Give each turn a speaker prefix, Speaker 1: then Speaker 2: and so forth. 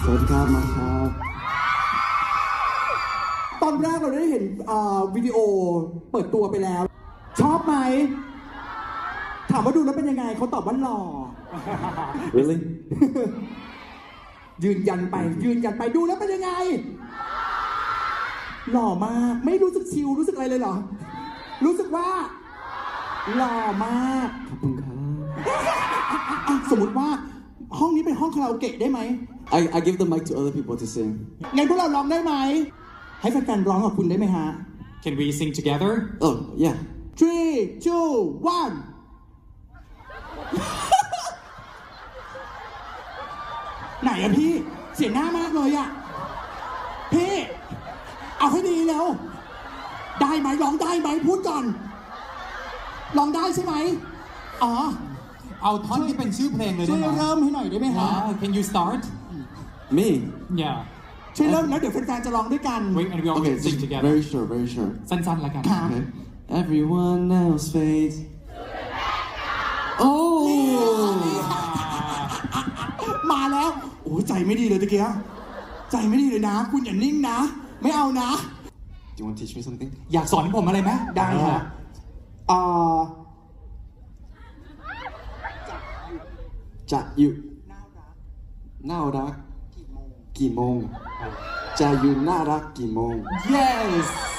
Speaker 1: สวัสดีครับมาครับ
Speaker 2: ตอนแรกเราได้เห็นวิดีโอเปิดตัวไปแล้ว ชอบไหม ถามว่าดูแล้วเป็นยังไงเขาตอบว่าหล่อ
Speaker 1: really
Speaker 2: ยืนยันไปดูแล้วเป็นยังไง หล่อมากไม่รู้สึกชิลรู้สึกอะไรเลยเหรอ รู้สึกว่า หล่อมาก
Speaker 1: ขอบคุณครับ
Speaker 2: สมมติว่าห้องนี้เป็นห้องคาราโอเกะได้ไหม
Speaker 1: I give the mic to other people to sing
Speaker 2: งั้นพวกเราร้องได้ไหม ให้แฟนๆร้องกับคุณได้ไหมฮะ
Speaker 3: Can we sing together?
Speaker 1: oh yeah
Speaker 2: 3 2 1 ไหนอะพี่ เสียหน้ามากเลยอะพี่ เอาให้ดีแล้ว ได้ไหมร้องได้ไหมพูดก่อนร้องได้ใช่ไหมอ๋อ
Speaker 3: เอาท่อนที่เป็นชื่อเพลงเลย
Speaker 2: ช่
Speaker 3: ได้
Speaker 2: วย
Speaker 3: ไหม
Speaker 2: เริ่มให้หน่อยได้ไหมฮะ
Speaker 3: Can you start?
Speaker 1: me
Speaker 3: Yeah.
Speaker 2: ช่วยเริ่มแล้วเดี๋ยวแฟนๆจะร้องด้วยกัน
Speaker 3: Wait, and we all
Speaker 1: okay
Speaker 3: sing
Speaker 1: just
Speaker 3: together.
Speaker 1: very short very short
Speaker 3: สั้นๆแล้วกัน
Speaker 2: ค่ะ
Speaker 1: okay everyone else fades oh
Speaker 2: มาแล้วโอ้ใจไม่ดีเลยตะเกียใจไม่ดีเลยนะ คุณอย่านิ่งนะ ไม่เอานะ
Speaker 1: do you want to teach me something
Speaker 3: อยากสอนผมอะไรไหม
Speaker 2: ได้ค่ะ
Speaker 1: จะอยู่น่ารักกี่โมงจะอยู่น่ารักกี่โมง
Speaker 3: Yes